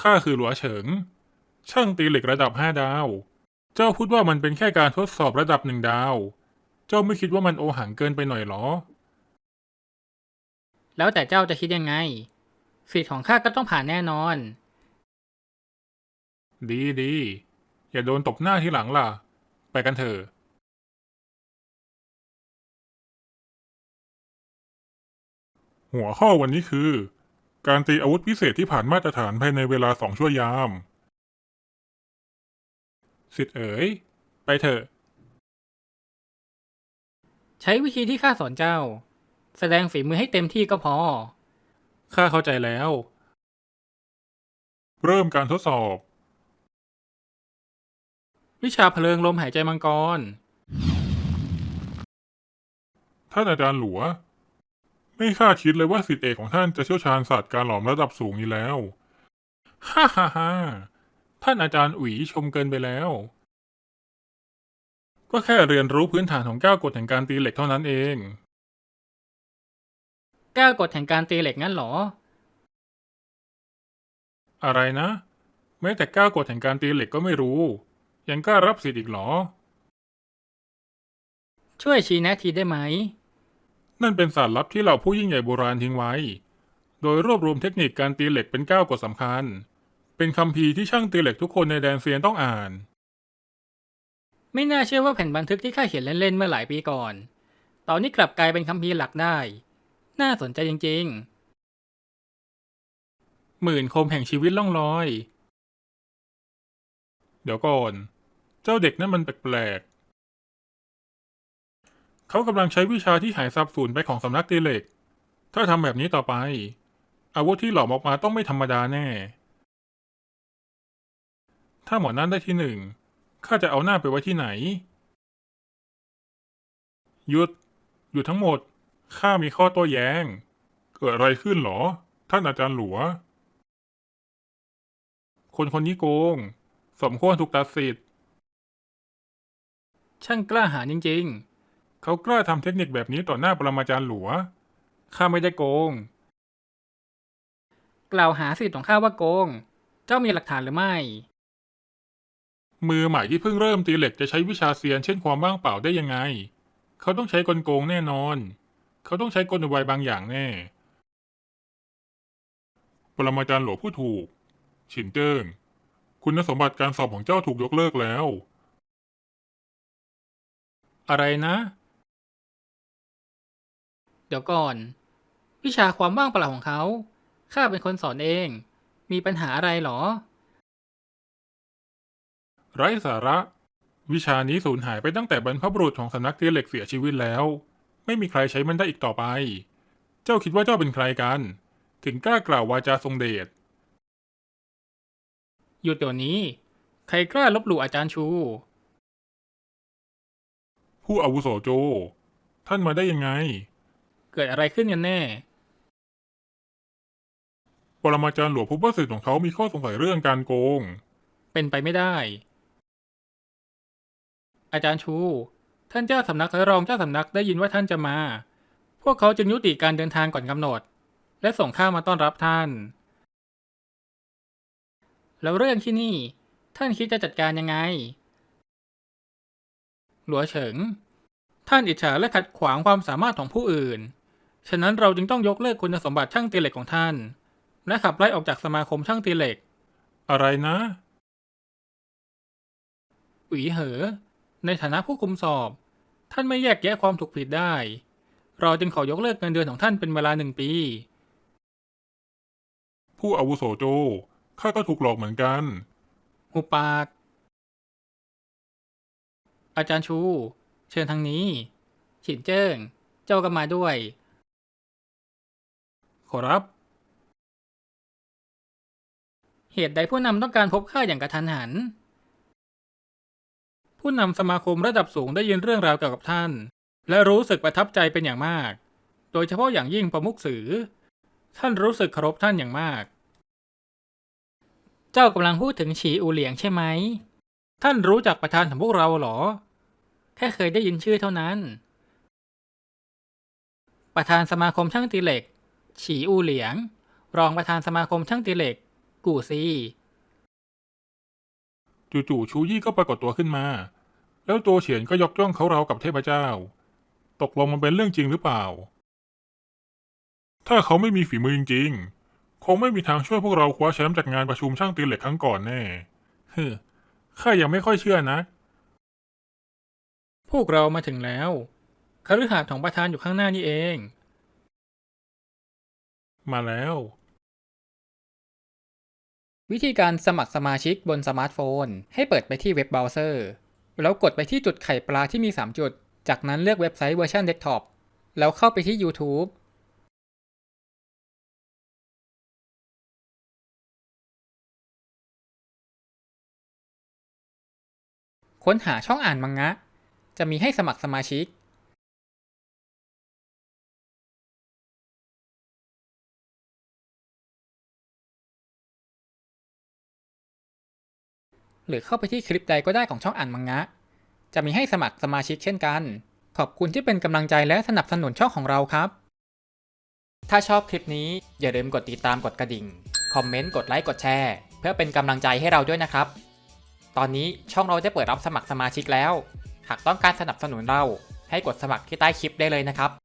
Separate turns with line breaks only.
ข้าคือหลัวเฉิงช่างตีเหล็กระดับ5 ดาวเจ้าพูดว่ามันเป็นแค่การทดสอบระดับ1 ดาวเจ้าไม่คิดว่ามันโอหังเกินไปหน่อยหรอ
แล้วแต่เจ้าจะคิดยังไงสิทธิ์ของข้าก็ต้องผ่านแน่นอน
ดีดีอย่าโดนตบหน้าทีหลังล่ะไปกันเถอะหัวข้อวันนี้คือการตีอาวุธพิเศษที่ผ่านมาตรฐานภายในเวลา2 ชั่วยามสิทธิ์เอ๋ยไปเถอะ
ใช้วิธีที่ข้าสอนเจ้าแสดงฝีมือให้เต็มที่ก็พอ
ข้าเข้าใจแล้วเริ่มการทดสอบ
วิชาเพลิงลมหายใจมังกร
ท่านอาจารย์หลัวไม่คาดคิดเลยว่าศิษย์เอกของท่านจะเชี่ยวชาญศาสตร์การหลอมระดับสูงนี้แล้วฮ่าฮ่าฮ่าท่านอาจารย์อุ๋ยชมเกินไปแล้วก็แค่เรียนรู้พื้นฐานของ9 กฎแห่งการตีเหล็กเท่านั้นเอง
9 กฎแห่งการตีเหล็กงั้นเหรอ
อะไรนะแม้แต่9 กฎแห่งการตีเหล็กก็ไม่รู้ยังกล้ารับสิทธิ์อีกเหรอ
ช่วยชี้แนะทีได้ไหม
นั่นเป็นศาสตร์ลับที่เหล่าผู้ยิ่งใหญ่โบราณทิ้งไว้ โดยรวบรวมเทคนิคการตีเหล็กเป็น9 กฎสำคัญ เป็นคัมภีร์ที่ช่างตีเหล็กทุกคนในแดนเซียนต้องอ่าน
ไม่น่าเชื่อว่าแผ่นบันทึกที่ข้าเขียนเล่นๆเมื่อหลายปีก่อนตอนนี้กลับกลายเป็นคัมภีร์หลักได้น่าสนใจจริง
หมื่นคมแห่งชีวิตล่องลอย เดี๋ยวก่อน เจ้าเด็กนั่นมันแปลกๆเขากำลังใช้วิชาที่หายสับสูญไปของสำนักตีเหล็ก ถ้าทำแบบนี้ต่อไป อาวุธที่หลอมออกมาต้องไม่ธรรมดาแน่ ถ้าหมอนั่นได้ที่1ข้าจะเอาหน้าไปไว้ที่ไหนหยุดหยุดทั้งหมดข้ามีข้อโต้แย้งเกิดอะไรขึ้นหรอท่านอาจารย์หลัวคนคนนี้โกงสมควรถูกตัดสิทธิ์
ๆช่างกล้าหาญจริง
เขากล้าทำเทคนิคแบบนี้ต่อหน้าปรมาจารย์หลัวข้าไม่ได้โกง
ๆกล่าวหาสิทธิ์ของข้าว่าโกงเจ้ามีหลักฐานหรือไม่
มือใหม่ที่เพิ่งเริ่มตีเหล็กจะใช้วิชาเซียนเช่นความว่างเปล่าได้ยังไงเขาต้องใช้กลโกงแน่นอนเขาต้องใช้กลอุบายบางอย่างแน่ปรมาจารย์หลวงพูดถูกฉินเจิ้งคุณสมบัติการสอบของเจ้าถูกยกเลิกแล้วอะไรนะ
เดี๋ยวก่อนวิชาความว่างเปล่าของเขาข้าเป็นคนสอนเองมีปัญหาอะไรหรอ
ไร้สาระวิชานี้สูญหายไปตั้งแต่บรรพบุรุษของสำนักตีเหล็กเสียชีวิตแล้วไม่มีใครใช้มันได้อีกต่อไปเจ้าคิดว่าเจ้าเป็นใครกันถึงกล้ากล่าววาจาทรงเดช
หยุดเดี๋ยวนี้ใครกล้าลบหลู่อาจารย์ชู
ผู้อาวุโสโจท่านมาได้ยังไง
เกิดอะไรขึ้นกันแน่
ปรมาจารย์หลวงพบว่าศิษย์ของเขามีข้อสงสัยเรื่องการโกง
เป็นไปไม่ได้อาจารย์ชูท่านเจ้าสำนักและรองเจ้าสำนักได้ยินว่าท่านจะมาพวกเขาจึงยุติการเดินทางก่อนกำหนดและส่งข้ามาต้อนรับท่านแล้วเรื่องที่นี่ท่านคิดจะจัดการยังไงหลัวเฉิงท่านอิจฉาและขัดขวางความสามารถของผู้อื่นฉะนั้นเราจึงต้องยกเลิกคุณสมบัติช่างตีเหล็กของท่านและขับไล่ออกจากสมาคมช่างตีเหล็ก
อะไรนะ
อุ๋ยเหอในฐานะผู้คุมสอบท่านไม่แยกแยะความถูกผิดได้เราจึงขอยกเลิกเงินเดือนของท่านเป็นเวลา1 ปี
ผู้อาวุโสโจข้าก็ถูกหลอกเหมือนกัน
หุบปากอาจารย์ชูเชิญทางนี้ฉินเจิ้งเจ้าก็มาด้วย
ขอรับ
เหตุใดผู้นำต้องการพบข้าอย่างกระทันหันผู้นำสมาคมระดับสูงได้ยินเรื่องราวเกี่ยวกับท่านและรู้สึกประทับใจเป็นอย่างมากโดยเฉพาะอย่างยิ่งประมุขสือท่านรู้สึกเคารพท่านอย่างมากเจ้ากำลังพูดถึงฉีอูเหลียงใช่ไหมท่านรู้จักประธานของพวกเราเหรอแค่เคยได้ยินชื่อเท่านั้นประธานสมาคมช่างตีเหล็กฉีอูเหลียงรองประธานสมาคมช่างตีเหล็กกูซี
จู่ๆชูยี่ก็ปรากฏตัวขึ้นมา แล้วตัวเฉียนก็ยกย่องเขาราวกับเทพเจ้า ตกลงมันเป็นเรื่องจริงหรือเปล่า ถ้าเขาไม่มีฝีมือจริงๆ คงไม่มีทางช่วยพวกเราคว้าแชมป์จากงานประชุมช่างตีเหล็กครั้งก่อนแน่ข้ายังไม่ค่อยเชื่อนะ
พวกเรามาถึงแล้วคฤหาสน์ของประธานอยู่ข้างหน้านี่เอง
มาแล้ว
วิธีการสมัครสมาชิกบนสมาร์ทโฟนให้เปิดไปที่เว็บเบราว์เซอร์แล้วกดไปที่จุดไข่ปลาที่มี3จุดจากนั้นเลือกเว็บไซต์เวอร์ชันเดสก์ท็อปแล้วเข้าไปที่ YouTube ค้นหาช่องอ่านมังงะจะมีให้สมัครสมาชิกหรือเข้าไปที่คลิปใดก็ได้ของช่องอ่านมังงะจะมีให้สมัครสมาชิกเช่นกันขอบคุณที่เป็นกำลังใจและสนับสนุนช่องของเราครับถ้าชอบคลิปนี้อย่าลืมกดติดตามกดกระดิ่งคอมเมนต์กดไลค์กดแชร์เพื่อเป็นกำลังใจให้เราด้วยนะครับตอนนี้ช่องเราได้เปิดรับสมัครสมาชิกแล้วหากต้องการสนับสนุนเราให้กดสมัครที่ใต้คลิปได้เลยนะครับ